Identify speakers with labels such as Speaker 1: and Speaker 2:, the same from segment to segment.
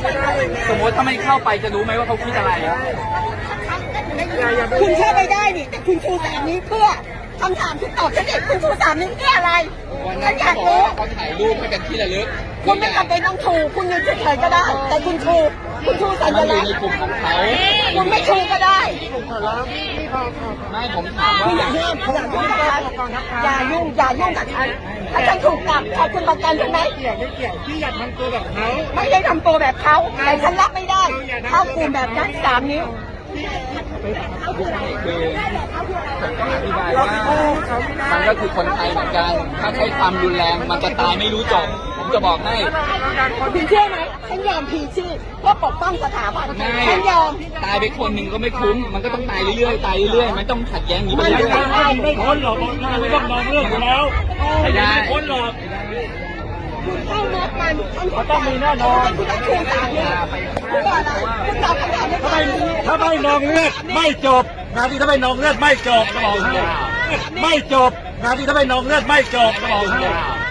Speaker 1: สมมติถ้าไม่เข้าไปจะรู้ไหมว่าเขาคิดอะไร
Speaker 2: คุณเข้าไปได้นี่แต่คุณชู3 นิ้วเพื่อคำถามที่ตอบฉันเองคุณชู3 นิ้วเพื่ออะไรฉันอยากรู้
Speaker 1: เขาถ่ายรูปให้เป็นที่ระลึก
Speaker 2: คุณไม่จำเป็นต้องชูคุณยืนเฉยๆก็ได้แต่คุณชูสัญลักษณ์
Speaker 1: ในกลุ่มของเขา
Speaker 2: คุณไม่ชูก็ได้
Speaker 1: ไม่ผมถามว่า
Speaker 2: อย่ายุ่งกับฉันอย่ายุ่งกับฉันถ้าฉันถูกจับขอคุณประกันใช่ไหม
Speaker 3: ไม่เกี่ยวพี่อยากทำตัวแบบเขา
Speaker 2: ไม่ได้ทำตัวแบบเขาแต่ฉันรับไม่ได้เข้ากลุ่มแบบนั้น3 นิ้ว
Speaker 1: คือผมก็อธิบายว่ามันก็คือคนไทยเหมือนกันถ้าใช้ความรุนแรงมันจะตายไม่รู้จบผมจะบอกให้
Speaker 2: คุณเชื่อไหมฉันยอมพีชีพเพื่อปกป้องสถาบันฉันยอม
Speaker 1: ตายไปคนหนึ่งก็ไม่คุ้มมันก็ต้องตายเรื่อยๆมันต้องขัดแย้งนี้ไปเรื่อย
Speaker 3: ๆไม่พ้นหรอกไม่ต้องมองเรื่องอยู่แล้วไม่พ้นหรอก
Speaker 2: คุณเข้ามอบมัน
Speaker 3: ต้องมีแน่นอน
Speaker 2: คุณต้องชู3 นิ้วคุณบอกอะไรคุณตอบคำถาม
Speaker 3: ถ้าไม่นองเลือดไม่จบงานที่ถ้าไม่นองเลือดไม่จบก็บอกให้ไม่จบงานที่ถ้าไม่นองเลือดไม่จบก็บอกให้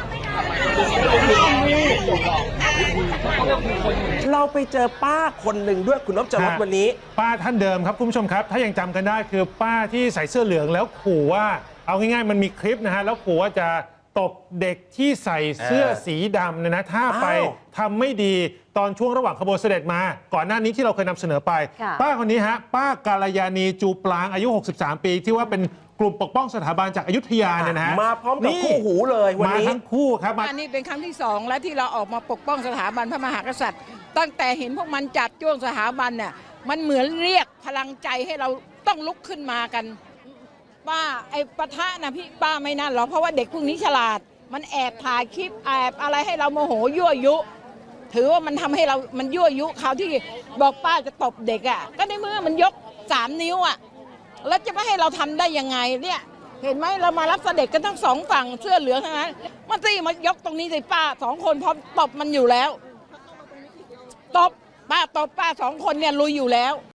Speaker 4: เราไปเจอป้าคนหนึ่งด้วยคุณนพจรสวันนี้
Speaker 5: ป้าท่านเดิมครับคุณผู้ชมครับถ้ายังจำกันได้คือป้าที่ใส่เสื้อเหลืองแล้วขู่ว่าเอาง่ายๆมันมีคลิปนะฮะแล้วขู่ว่าจะตบเด็กที่ใส่เสื้อสีดำนะถ้าไปทำไม่ดีตอนช่วงระหว่างขบวนเสด็จมาก่อนหน้านี้ที่เราเคยนำเสนอไปป้าคนนี้ฮะป้ากาลยานีจูปลางอายุ63 ปีที่ว่าเป็นกลุ่มปกป้องสถาบันจากอยุธยาเนี่ยนะฮะ
Speaker 4: มาพร้อมกับคู่หูเลยวันนี้
Speaker 5: มาทั้งคู่ครับ
Speaker 6: อันนี้เป็นครั้งที่2แล้วที่เราออกมาปกป้องสถาบันพระมหากษัตริย์ตั้งแต่เห็นพวกมันจัดจ้วงสถาบันเนี่ยมันเหมือนเรียกพลังใจให้เราต้องลุกขึ้นมากันป้าไอ้ปะทะนะพี่ป้าไม่นั่นหรอกเพราะว่าเด็กพวกนี้ฉลาดมันแอบถ่ายคลิปแอบอะไรให้เราโมโหยั่วยุถือว่ามันทำให้เรามันยั่วยุเขาที่บอกป้าจะตบเด็กอ่ะก็ในเมื่อมันยก3 นิ้วอ่ะแล้วจะไม่ให้เราทำได้ยังไงเนี่ยเห็นไหมเรามารับเสด็จกันทั้ง2 ฝั่งเสื้อเหลืองทั้งนั้นมันตีมายกตรงนี้สิป้า2 คนพร้อมตบมันอยู่แล้วตบป้า2 คนเนี่ยลุยอยู่แล้ว